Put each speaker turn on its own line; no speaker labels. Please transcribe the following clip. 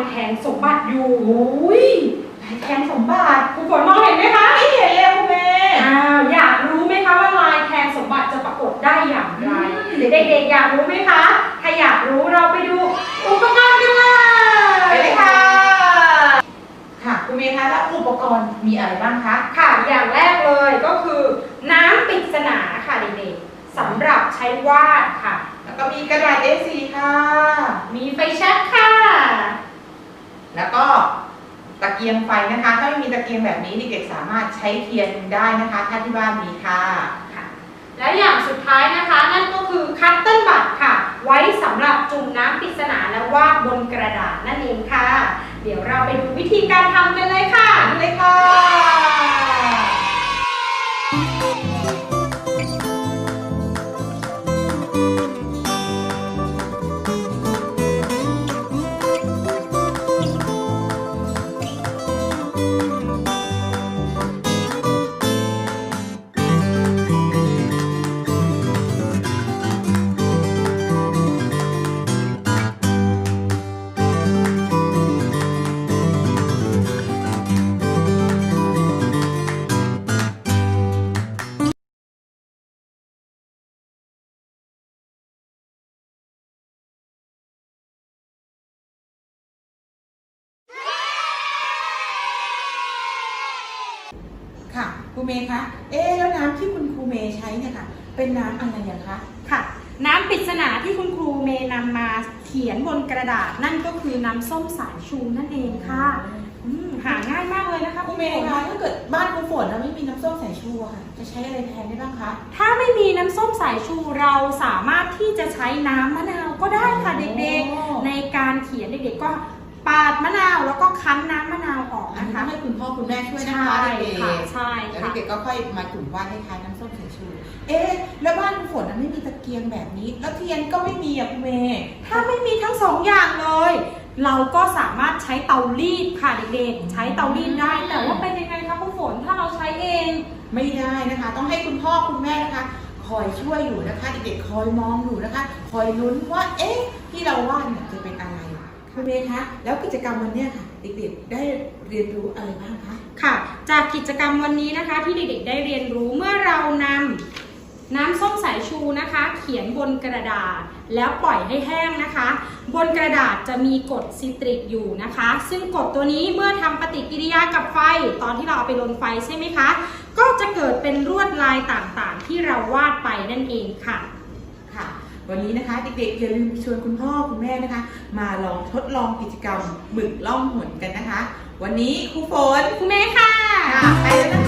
แทนสมบัติอยู่
โอ้ยลายแทนสมบัติ
คุณฝนมองเห็นไหมคะ
ไม่เห็นเลยคุณแม่
อยากรู้ไหมคะว่าลายแทนสมบัติจะปรากฏได้อย่างไรเด็กๆอยากรู้ไหมคะถ้าอยากรู้เราไปดูอุปกรณ์กันเลย
ไปเลยค่ะค่ะคุณเมย์คะแล้วอุปกรณ์มีอะไรบ้างคะ
ค่ะอย่างแรกเลยก็คือน้ำปริศนาค่ะเด็กๆสำหรับใช้วาดค่ะ
แล้วก็มีกระดาษ A4 ค่ะ
มีไฟแช็กค่ะ
แล้วก็ตะเกียงไฟนะคะถ้าไม่มีตะเกียงแบบนี้เด็กๆสามารถใช้เทียนได้นะคะถ้าที่บ้านมีค่ะ
และอย่างสุดท้ายนะคะนั่นก็คือคัตเติ้ลบัตค่ะไว้สำหรับจุ่มน้ำปริศนาและวาดบนกระดาษนั่นเองค่ะเดี๋ยวเราไปดูวิธีการทำกันเลยค่ะ
เลยค่ะค่ะครูเมย์คะแล้วน้ำที่คุณครูเมย์ใช้เนี่ยค่ะเป็นน้ำอะไรอย่างคะ
ค่ะน้ำปริศนาที่คุณครูเมย์นำมาเขียนบนกระดาษนั่นก็คือน้ำส้มสายชูนั่นเองค่ะหาง่ายมากเลยนะคะ
ครูเมย์คะถ้าเกิดบ้านครูฝนแล้วไม่มีน้ำส้มสายชูค่ะจะใช้อะไรแทนได้บ้างคะ
ถ้าไม่มีน้ำส้มสายชูเราสามารถที่จะใช้น้ำมะนาวก็ได้ค่ะเด็กๆในการเขียนเด็กๆก็ปาดมะนาวแล้วก็คั้นน้ำมะนาวออกนะคะ
ให้คุณพ่อคุณแม่ช่วยนะคะเด็ก
ๆใช่
ค่ะแล้วเด็กๆก็ค่อยมาจุ่มวาดให้คล้ายน้ำส้มสายชูแล้วบ้านคุณฝนไม่มีตะเกียงแบบนี้แล้วเทียนก็ไม่มีอ่ะคุณเมย์
ถ้าไม่มีทั้งสองอย่างเลยเราก็สามารถใช้เตารีดค่ะเด็กๆใช้เตารีดได้แต่ว่าเป็นยังไงคะคุณฝนถ้าเราใช้เอง
ไม่ได้นะคะต้องให้คุณพ่อคุณแม่นะคะคอยช่วยอยู่นะคะเด็กๆคอยมองอยู่นะคะคอยลุ้นว่าที่เราวาดเนี่ยจะเป็นอะไรคุณเมย์คะแล้วกิจกรรมวันนี้ค่ะเด็กๆได้เรียนรู้อะไรบ้างคะ
ค่ะจากกิจกรรมวันนี้นะคะที่เด็กๆได้เรียนรู้เมื่อเรานำน้ำส้มสายชูนะคะเขียนบนกระดาษแล้วปล่อยให้แห้งนะคะบนกระดาษจะมีกรดซิตริกอยู่นะคะซึ่งกรดตัวนี้เมื่อทำปฏิกิริยากับไฟตอนที่เราเอาไปลนไฟใช่ไหมคะก็จะเกิดเป็นลวดลายต่างๆที่เราวาดไปนั่นเองค่ะ
วันนี้นะคะเด็กๆอย่าลืมชวนคุณพ่อคุณแม่นะคะมาลองทดลองกิจกรรมหมึกล่องหนกันนะคะวันนี้ครูฝน
ครูเมย์ค่ะ
ไปแล้ว